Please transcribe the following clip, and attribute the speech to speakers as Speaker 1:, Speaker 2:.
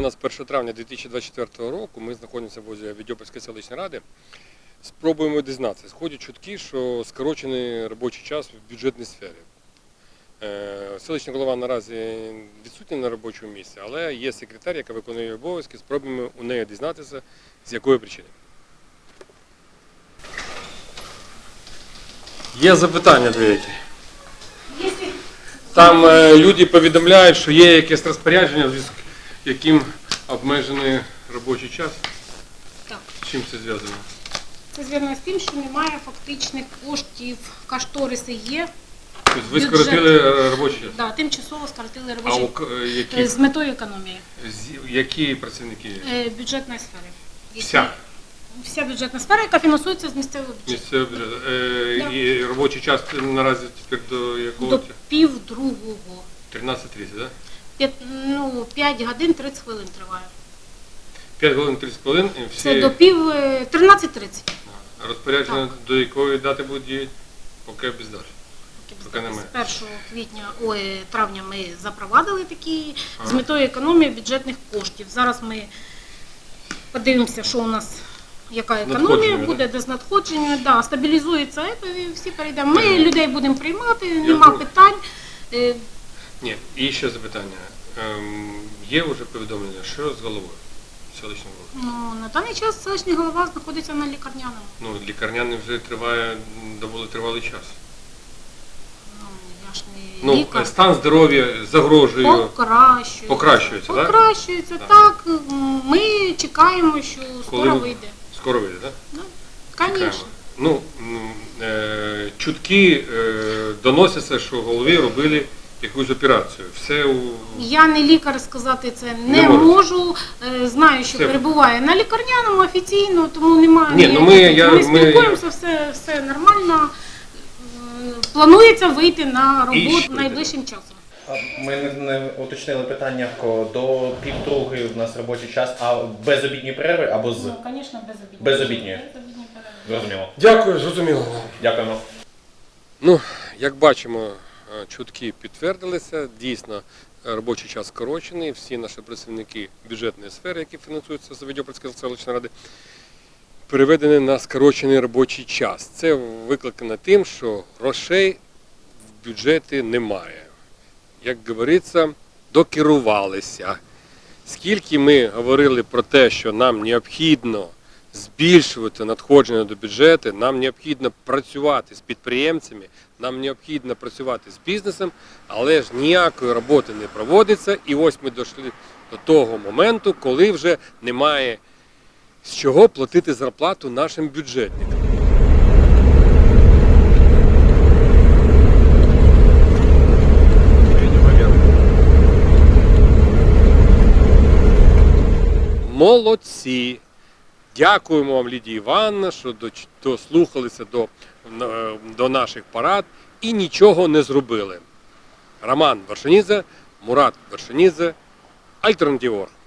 Speaker 1: у нас 1 травня 2024 року, ми знаходимося возле Відьопольської селищної ради, спробуємо дізнатися. Сходять чутки, що скорочений робочий час в бюджетній сфері. Селищний голова наразі відсутній на робочому місці, але є секретар, яка виконує обов'язки, спробуємо у неї дізнатися, з якої причини. Є запитання деякі. Там люди повідомляють, що є якесь розпорядження, з яким обмежений робочий час.
Speaker 2: Так.
Speaker 1: З чим це зв'язано?
Speaker 2: Це зв'язано з тим, що немає фактичних коштів, кошториси є.
Speaker 1: Тобто ви скоротили робочий час?
Speaker 2: Так, тимчасово скоротили робочий час. З метою економії.
Speaker 1: Які працівники?
Speaker 2: Бюджетної сфери.
Speaker 1: Вся?
Speaker 2: Вся бюджетна сфера, яка фінансується з місцевого бюджету.
Speaker 1: Місцевого бюджету. І робочий час наразі тепер до якого?
Speaker 2: До 1:30.
Speaker 1: 13:30, так?
Speaker 2: 5 годин 30 хвилин триває.
Speaker 1: 5 годин 30 хвилин?
Speaker 2: Це до 13:30.
Speaker 1: Розпорядження до якої дати будуть діяти? Поки без дати.
Speaker 2: З 1 травня ми запровадили такі з метою економії бюджетних коштів. Зараз ми подивимося, що у нас, яка економія буде, де з надходження, стабілізується, і всі перейдемо. Ми людей будемо приймати, нема питань.
Speaker 1: Ні, і ще запитання. Є вже повідомлення, що з головою селищного голови?
Speaker 2: На даний час селищний голова знаходиться на лікарняному.
Speaker 1: Лікарняний вже триває доволі тривалий час.
Speaker 2: Я ж не лікар.
Speaker 1: Стан здоров'я загрожує.
Speaker 2: Покращується, так. Ми чекаємо, що скоро вийде.
Speaker 1: Скоро вийде, так?
Speaker 2: Так, звісно.
Speaker 1: Чутки доносяться, що голові робили якусь операцію.
Speaker 2: Я не лікар, сказати це не можу. Знаю, що перебуває на лікарняному офіційно, тому немає. Ми спілкуємося, все нормально. Планується вийти на роботу найближчим часом.
Speaker 3: Ми не уточнили питання до 1:30 у нас робочий час, а без обідньої перерви або з?
Speaker 2: Звісно, без обідньої.
Speaker 3: Без обідньої. Зрозуміло.
Speaker 1: Дякую, зрозуміло.
Speaker 3: Дякуємо.
Speaker 1: Як бачимо, чутки підтвердилися, дійсно робочий час скорочений, всі наші працівники бюджетної сфери, які фінансуються з Відьопольської селищної ради, переведені на скорочений робочий час. Це викликано тим, що грошей в бюджеті немає. Як говориться, докерувалися. Скільки ми говорили про те, що нам необхідно збільшувати надходження до бюджету, нам необхідно працювати з підприємцями, нам необхідно працювати з бізнесом, але ж ніякої роботи не проводиться. І ось ми дійшли до того моменту, коли вже немає з чого платити зарплату нашим бюджетникам. Молодці! Дякуємо вам, Лідія Івановна, що дослухалися до наших порад і нічого не зробили. Роман Вершинідзе, Мурат Вершинідзе, Альтернатива.org.